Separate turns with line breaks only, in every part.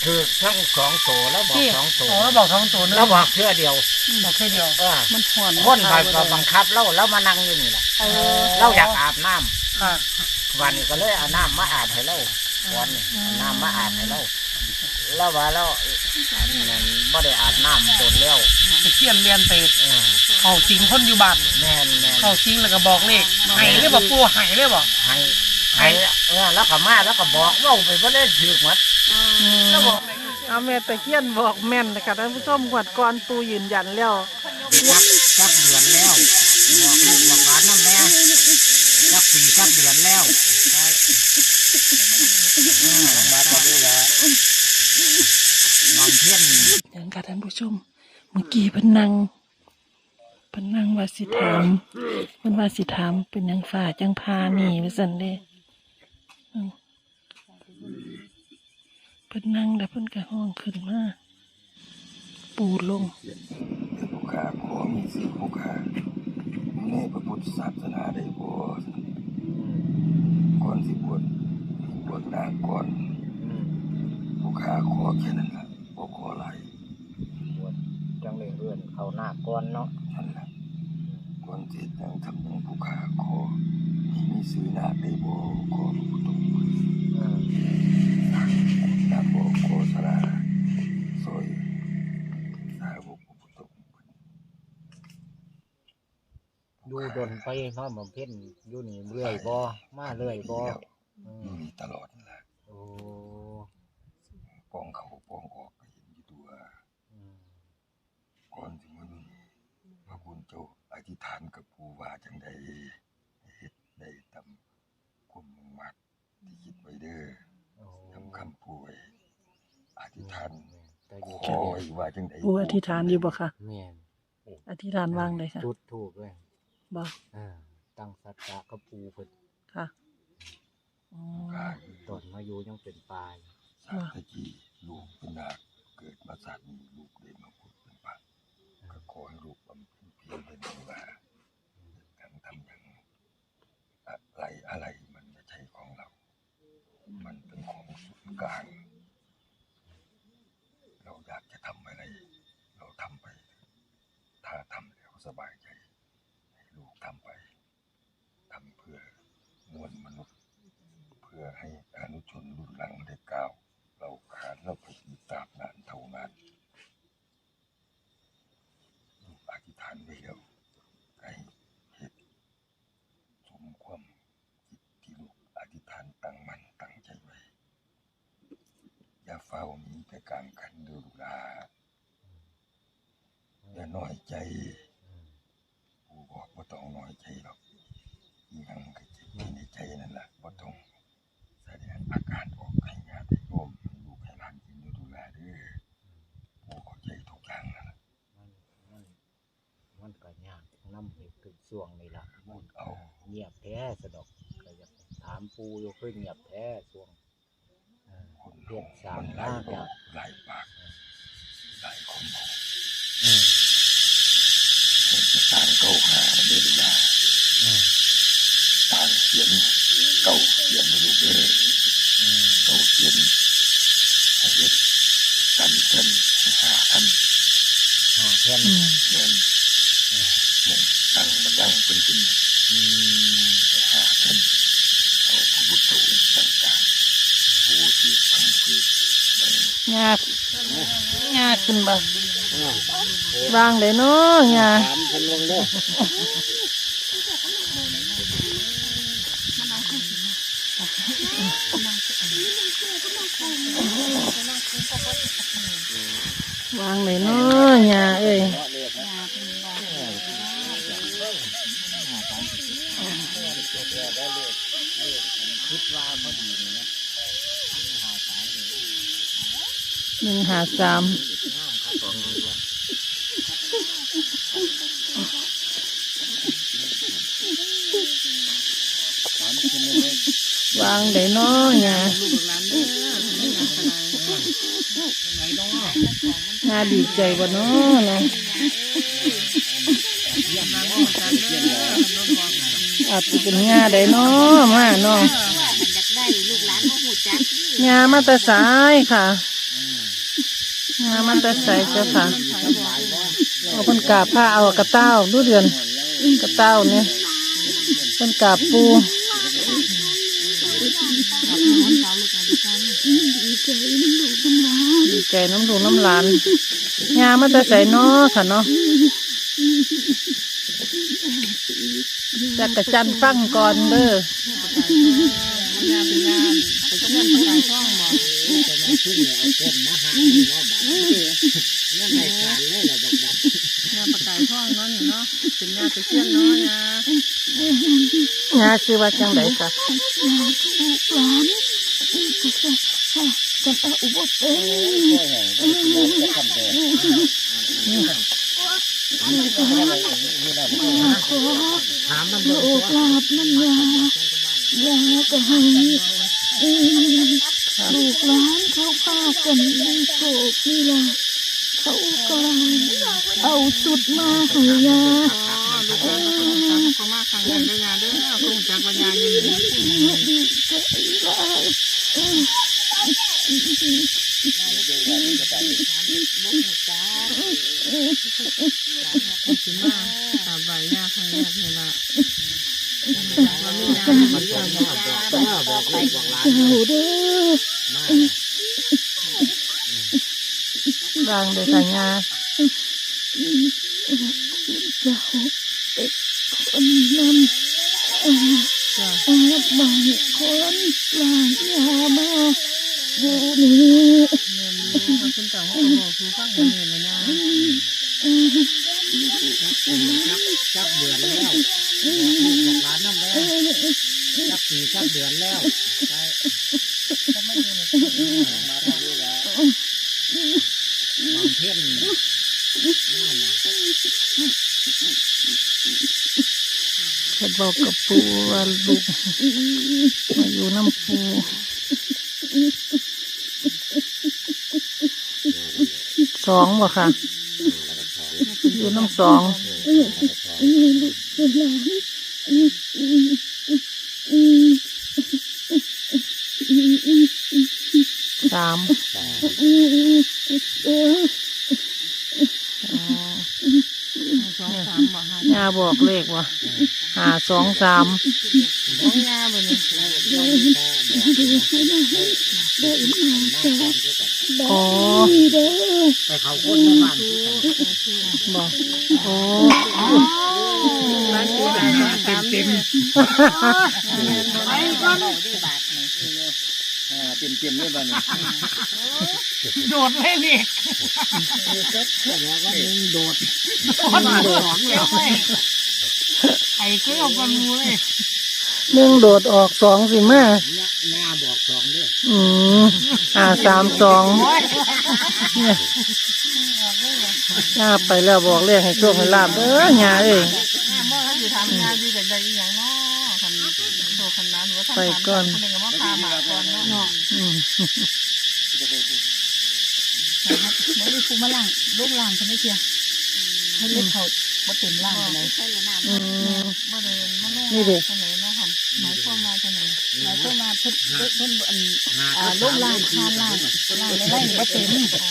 คือทั้งสองตัวแล้วบอกสองตัว
แล้วบอก2 ตัวนึง
แล้วบอกเพื่อเดียว
บอกแค่เดียวมันห่อน
คนคอยบังคับแล้วมานั่งอยู่นี่แหละเราอยากอาบน้ำ
ค่ะ
วันนี้ก็เลยเอาน้ำมาอาบให้เราวันนี้น้ำมาอาบให้เราแล้วว่าเรานั่นไม่ได้อาบน้ำโดนแล้ว
ไปเขียนเรียนไปเขาสิงคนอยู่บ้าน
แม่น
เขาสิงแล้วก็บอกเลขไห้เลยบอกปูไห้เลยบอก
ให้แล้วก็มาแล้วก็บอกว่าไปไม่ได้ถือหมดแล้วบอก
เอาแม่ตะเคียนบอกแม่นนะคะท่านผู้ชมงวดก่อนปูยืนยันแล้ว
จับเดือนแล้วบอกลูกบอกหลานนั่นแหละจับปีจับเดือนแล้วใช่มาก็ดูแลบำเพ็ญ
อย่างค่ะท่านผู้ชมเมื่อกี้เพิ่นนั่งว่าสิถามเพิ่นว่าสิถามเป็นหยังฝ่าจังพาหนีว่าซั่นเด้เพิ่นนั่งแล้วเพิ่นก็ห้องขึ้นมาปูลง
ผู้ขาขอมีสิผู้ขาในพระพุทธศาสนาได้บ่ก่อนสิบวชนางก่อนผู้ขาขอแค่นั้นล่ะบ่ขอหลาย
จังเลยเรื่อนเขาหน้าก้อนเนาะ
นั่นล่ะก่อนสิยังทำยังผู้ขาขอให้มีซื้อหน้าได้บ่ขอพระพุทธนาบ่ขอสราซอยสาวกพระพุทธ
ดูดนไปเนาะบำเพ็ญอยู่นี่เรื่อยบ่มาเรื่อยบ่
มีตลอดนั่นล่ะ
โอ้
ปองเขาปองออกก็เห็นอยู่ตัวก่อนถึงวันนี้พระคุณเจ้าอธิษฐานกับผู้ว่าจังใดเฮ็ดได้ตามความมุ่งมั่นที่คิดไว้เด้อทำคำป่วยอธิษฐานขอไว้ว่าจังใด
ปูอธิษฐานอยู่บ่คะ
แม่น
อธิษฐานวางเลยค่ะ
จุดถูกเลย
บ่
ตั้งสัจจะกับปูเพิ่น
ค่ะอ๋อ
ตอนมาอยู่ยังเป็นปลาย
สาตะกี้ลูกเป็นนาคเกิดมาศาสตร์นี้ลูกได้มาพูดเป็นปากก็ขอให้ลูกบำเพ็ญเพียรเป็นว่าการทำอย่างอะไรมันไม่ใช่ของเรา มันเป็นของส่วนกลางเราอยากจะทำอะไรเราทำไป ถ้าทำแล้วสบายใจให้ลูกทำไปทำเพื่อมวลมนุษย์เพื่อให้อนุชนรุ่นหลังได้ก้าวเราขาดเราถูกยึดตราบนานเท่านานลูกอธิษฐานไว้แล้วให้เหตุสมความคิดที่ลูกอธิษฐานตั้งมั่นตั้งใจไว้อย่าเฝ้ามีแต่การขันดูลาอย่าน้อยใจผู้บอกว่าต้องน้อยใจหรอกยังก็เจ็บในใจนั่นแหละว่าต้องแสดงอาการออกให้ญาติโยมลูกให้หลานกินดูแลเด้อผู้เข้าใจทุกอย่างนั่นแหละ
มันก็ยากน้ำอีกถึงช่วงนี้ล่ะ
พูดเอา
เงียบแท้สะดอกก็อยากถามปูอยู่คือเงียบแท้ช่วง
คน
เรียกสา
มั
ม
น
ห
ห
น้า
ลาย
จะ
หลายปากหลายคนบอก
อืม
จะต่างเก้าหาเดินมาต่างเขียนเก้าเขียนไม่รู้เด้อเก้าเขียนให้เฮ็ดกันให้หาทัน
หาแค่น
เขียนมงตั้งมันยั่งเป็นจริงให้หาทันเอาพระพุทธองค์ต่างๆผู้ที่พังผืดดัง
ยากขึ้นบ่วางเลยเนาะยา
ถามคนลงเด้อ
วางเลยเนาะยาเอ้ย
คิดว่าพอดีเลยนะ
153วางเลยเนาะยายาดีใจบ่เนาะนะอาจจะเป็นยาได้เนาะมาเนาะ
อยากได้ลูกหลานก็หูจัก
ยามาแตะสายค่ะยามาแตะสายเจ้าค่ะเอาเพิ่นกราบผ้าเอากระเต้าดูเดือนกระเต้าเนี่ยเพิ่นกราบปูดีใจน้ำลูกน้ำหลานยามาแตะใส่น้อค่ะเนาะจักระจันฟังก่อนเด้อยาชื่อว่าจังไดค่ะ
จะอุบเอ้จะทำเด็กถามมันดูกราบมันยาก็ให้ลูกหลานเขาพากันในโศกนี่ล่ะเขาก็เอาสุดมาให้ยา
เขามาขังกันได้ยาเด้อคงจักปัญญาอยู่
ดีใจหลาย
ตาใบยาข้างแรกนี่ละ
ร่างเด็กสัญญา
จะหกเด็กคนนั้นบางคนหลานยามาอยู่นี่
คุณต่างเขาบอกคือฟังเงินเลยนะ
จับเดือนแล้วร้านน้ำแล้วจับสี่จับเดือนแล้วมาทำด้วยแล้วบางเพ่น
เพิ่นบอกกับปูว่าลูกมาอยู่น้ำปูสองบ่ค่ะอยู่น้ำสองสามยาบอกเลขว่ะ523
ยาบนนี้
อ๋อ
ไปเขาคนในบ้าน
บอกโอ้
เต็ม
เต็มด้วยบ้าน
โดดเลยนี่
โดด
ไอ้ก็เอากันมูเลย
1โดดออก2สิมา
หน้าบอก2ด้วย
532เนี่ยย่าไปแล้วบอกเลขให้โชคให้ลาบเด้อย่าเอ้ย
เมื่ออยู่ทำงานอยู่แต่ใดอย่างเนาะคันโตคันนั้นหรือว่าทำงานคนหนึ่งก็มาพาหมาก่อนเนาะ
ไม่ได้ฟูมาล่างลูกล่างฉันไม่เชียร์ให้เล่นเขาบ่เต็มล่างเลย
นี่เด็ก
หมายความว่าจะไหน
หมายความว่าเพิ่นลูกล่างคานล่างในไร่บ่เต็ม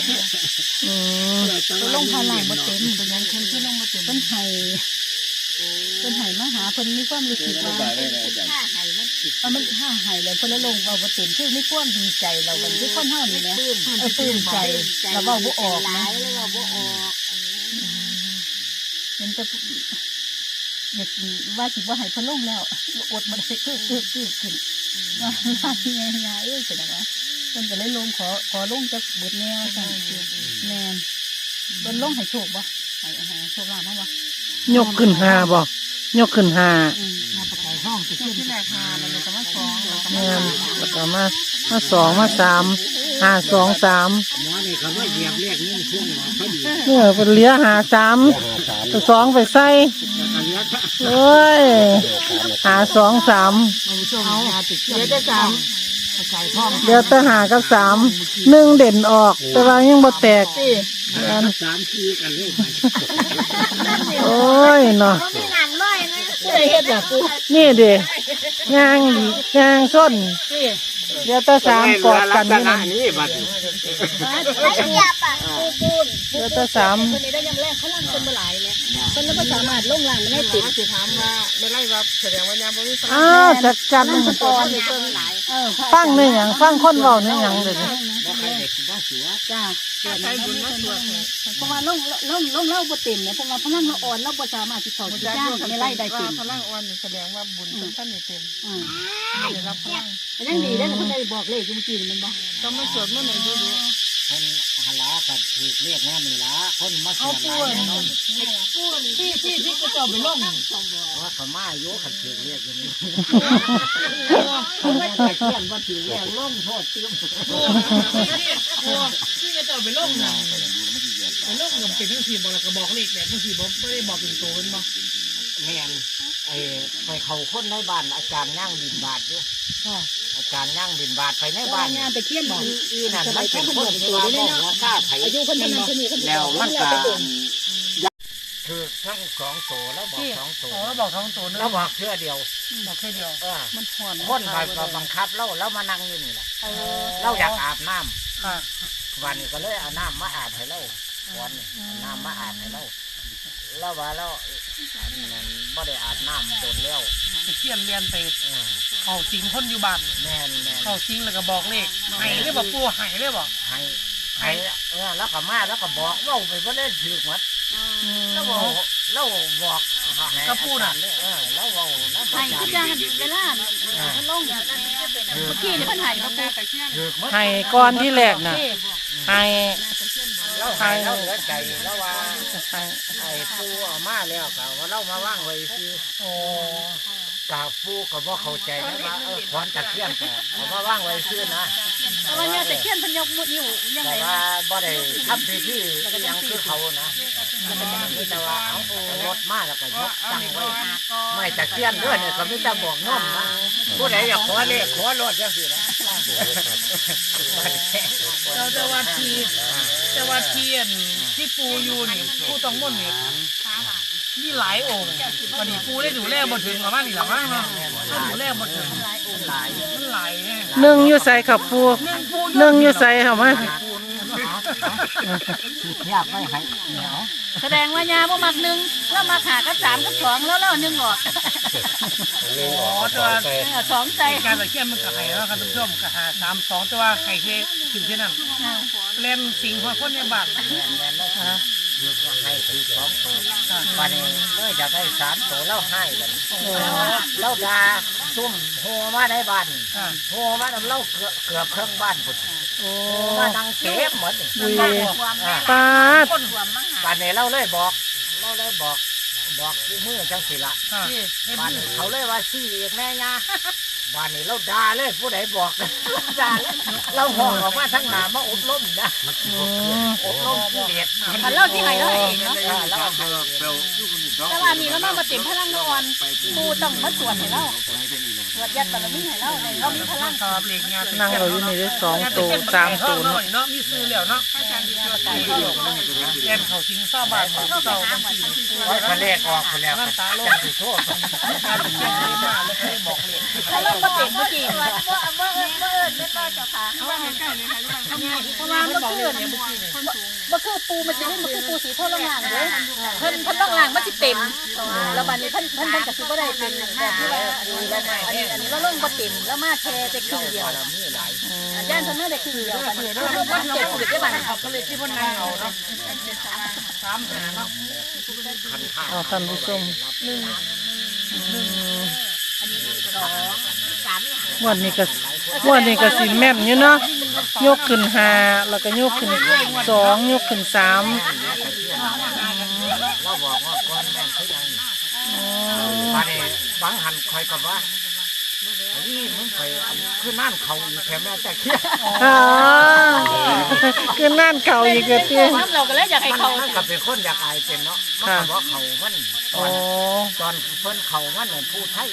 ลงคานล่างบ่เต็มเป็นยังคนที่ลงบ่เต็มเพิ่นให้มาหาเพิ่นมีความรู้สึกว่าถ้าให้มันถ้าให้แล้วเพิ่นละลงว่าบ่เต็มคือมีความดีใจเราบัดนี้คนเฮานี่แหละปลื้มใจแล้วเว้าบ่ออกนะเราบ่ออกเห็นแต่อยากว่าสิว่าให้เพิ่นลงแล้วอดบ่ได้คือขึ้นว่าที่ไงเสร็จแล้วว่าเพิ่นก็เลยลงขอลงจักเบิดแนวซั่นแม่นเพิ่นลงให้โชคบ่ให้โชคลาภบ่
ยกขึ้น5บ่ยกขึ้น5
มาประกายห้องสิขึ้น
ที่แรก5มันเลยก็มา2
แม่นแล้วก็มา2มา3 523
หมอนี่เขาว่าเหยียบเลขนี่ช่วงหมอเขาดี
เป็นเหลือ53ตัว2ไปใส่โอ้ย523
เดี๋ยวจะ3
เดี๋ยวจะ5กับ3 1เด่นออกแต่ว่ายังบ่แตก
3ทีกันเลย
โอ้ยเนาะ
เฮ็ดแบบกู
นี่เด้ย่างส้นเดี๋ยวตาสามกอดกันนี่นะ
นี่บัด
เดี๋ยวตาสาม
คนนี้ได้ยังแรกเขาล่างคนบ่หลายเนี่ยคนแล้วก็สามารถลงล่างได้ติด
สิถามว่าไม่ไล่ว่าแสดงว่ายามบ่มีพลัง
อ้าวจัดจัด
ก่อนเลย
ฟังในหยังฟังคนเว้าในหยังเลย
จ้า
ใช้บุญมาสวด
เพราะว่าลงเล่าบ่เต็มเนี่ยเพราะว่าพลังเราอ่อนเราบ่สามารถที่เขาจะจ้างไม่ไล่ได้เต็ม
พลังอ่อนแสดงว่าบุญท่านนี่เต็มได้รับพลัง
ยังดีได้เพิ่นได้บอกเลขเมื่อกี้มันบ่
ต้องมาสวดเมื่อไหร่ดู
คนหลากับถูกเรียกแน่นี่ละคนมาสวดหลายแน่นอน
ที่ก็จะไปลง
ว่าเขามาอยู่ขัดถูกเรียกอย่างนี้
ไม่แต่เขียนว่าถือแล้วลงโทษเติม
ที่จะไปลงนะไปลงกับเป็นทั้งทีมบอกแล้วก็บอกเลขแบบทั้งทีบอกไม่ได้บอกเป็นตัวเป็นบอก
แม่นไปเขาคนในบ้านอาจารย์ย่างบินบาทอยู่อาจารย์ย่างบินบาทไปในบ้าน
งานไปเขียนบอก
อีนั่นไม่เป็นคนที่ว่าบอกว่าข้าไผ่
อายุคนนั้นคนนี้คน
แล้วมันก็คือทั้งสองโตแล้วบอกสองโต
เราบอกท้องตัวนึง
แล้วบอกเพื่อเดียว
บอกแค่เดียวมันผ่อน
คนไปบังคับแล้วมานั่งอยู่นี่แหละเราอยากอาบน้ำ
ค่ะ
วันนี้ก็เลยเอาน้ำมาอาบให้เราวันนี้น้ำมาอาบให้เราแล้วว่าเราไม่ได้อาบน้ำโดนแล้ว
เขียนเรียนไปเขาสิงคนอยู่บ้าน
แม่น
เขาสิงแล้วก็บอกเลขไห้เลยบอกปูไห้เลยบอก
ให้แล้วก็มาแล้วก็บอกว่าไปว่าได้ถือหมดแล้วบอก
ก็พูดอ่ะ
แล้วว่าน้ำ
ไห้ทุกอย่างเวลามันลงเมื่อกี้เนี่ยมันไห้มาปู
ถือหมด
ให้ก่อนที่แรกน่ะให้
แล้วให้แล้วเหลือใจแล้วว่า
ให้
ไอ้ปูเอามาแล้วก็ว่าเรามาว่างไว้คือ
โอ้
กับปูก็บ่เข้าใจนะว่าขอนตะเคียนก็เอามาว่างไว้คือนะ
แต่ว่าเนี่ยแต่เขียนพันยกมุดนิ้วยังไง
แต่ว่าบ่ได้ทำพิธียังคือเขานะมีแต่ว่าเอารถมาแล้วก็ยกตั้งไว้ไม่ตะเคียนด้วยเนี่ยก็มีแต่บอกน้อมนะผู้ใดอยากขอเลขขอรถจังซี่นะ
เราจะวัดทีที่ปูอยู่นี่ปูต้องม่นนี่นี่หลายองค์วันนี้ปูได้ดูแลบ่ถึงประมาณนี้หรอมั้งเนาะถ้าดูแลบ่ถึงมันหลายแน่
หนึ่งอยู่ใส่ขับปูหนึ่งอยู่ใส่เหรอมา
อยากไม่ให้เหนียว
แสดงว่ายาพวกมักหนึ่งแล้วมาขากับ3กับ2แล้วหนึ่งออก
อ๋อแต่ว่า
2ใจ
การตะเคียนมันก็ให้แล้วครับท่านผู้ชมก็หา3-2แต่ว่าให้แค่ถึงแค่นั้นเล่นสิงหัวคนในบ้าน
แม่นแล้วคือให้คือ2ตัววันนี้เลยจะได้3ตัวแล้วให้กันแล้วดาซุ่มโหมาในบ้านโหมาเล่าเกือบเครื่องบ้านพุ่นมานั่งเก็บหมด
บุยปาด
บ้านนี้เราเลยบอกคือมือจังสิละบ้านเขาเลยว่าซี่เอกแม่ยาบ้านนี้เราด่าเลยผู้ใดบอกด่าเลยเราห้องออกมาทั้งหนามาอบรมนะอบรมเด็ด
อันเล่าที่ไหนเราเองเนาะ
แล้วให้
แต่ว่านี่เรามาเต็มพลังนอนปูต้องมาสวดให้เราสวดยัดบารมีให้เราเรามีพลัง
ครับเหล็กงาน
นั่งเราอยู่นี่ได้2ตัว3ตัวเนาะ
เนาะมีซื้อแล้วเนาะเล่นเขาสิงเศร้าบาทเขาเศร้าบางที
ทะเลออกไปแล้วจังสิโทษ
การตะเคียนดีมากเลยให้บอกเลย
ถ้าเรามาเต็มเมื่อกี้เมื่อไม่ป้าเจ้าค่ะเพราะว่าเมื่อคืนเนี่ยเมื่อคืนปูมันจะไม่เมื่อคืนปูสีเท่าล่างเลยเพิ่นล่างมันจะเต็มแล้วบัดนี้เพิ่นก็คือบ่ได้เป็นแบบที่ว่าอันนี้เราลงบ่เต็มแล้วมาแค่แต่ครึ่งเดียวย่านเพิ่นมาได้ครึ่งเดียวบัดนี้เราบ่เจ็บปวดได้บัดนี้
ก็เลยที่พ่นนางเอาเนาะ3 หาเนาะ
เอาท่านผู้ชมวันนี้ก็สิแม่นอยู่เนาะยกขึ้น5แล้วก็ยกขึ้น2ยกขึ้น3
เราบอกว่าก้อนแม่นคือยังบ้านนี้บางหันคอยกับว่านี่มึงไปคือนั่นเขาอยู่แถวแม่แต่เคี้ย
คือนั่นเก่าอีกแล้ว
เราก็เลยอยากให้เขา
มันก็เป็นคนอยากอายเป็นเนาะมันก็บอกเขามันตอนเพิ่นเขามันเนี่ยพูดไทย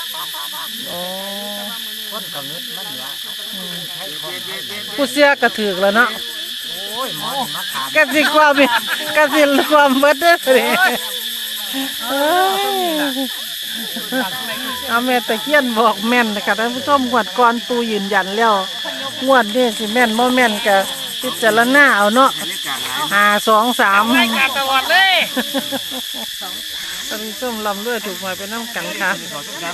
คนก็นึกมันว่าไทยคน
ผู้เสียก็ถือแล้วเนาะ
โอ้ยหมอมาถาม
กสิความเบิดเด้อเลยเอาแม่ตะเคียนบอกแม่นนะคะท่านผู้ชมงวดก่อนปูยืนยันแล้วงวดนี้สิแม่นบ่แม่นก็พิจารณาเอาเนาะ5 2 3
รายการตลอดเลย
ท่านผู้ชมลำด้วยถูกหวยไปน้ำกันค่ะ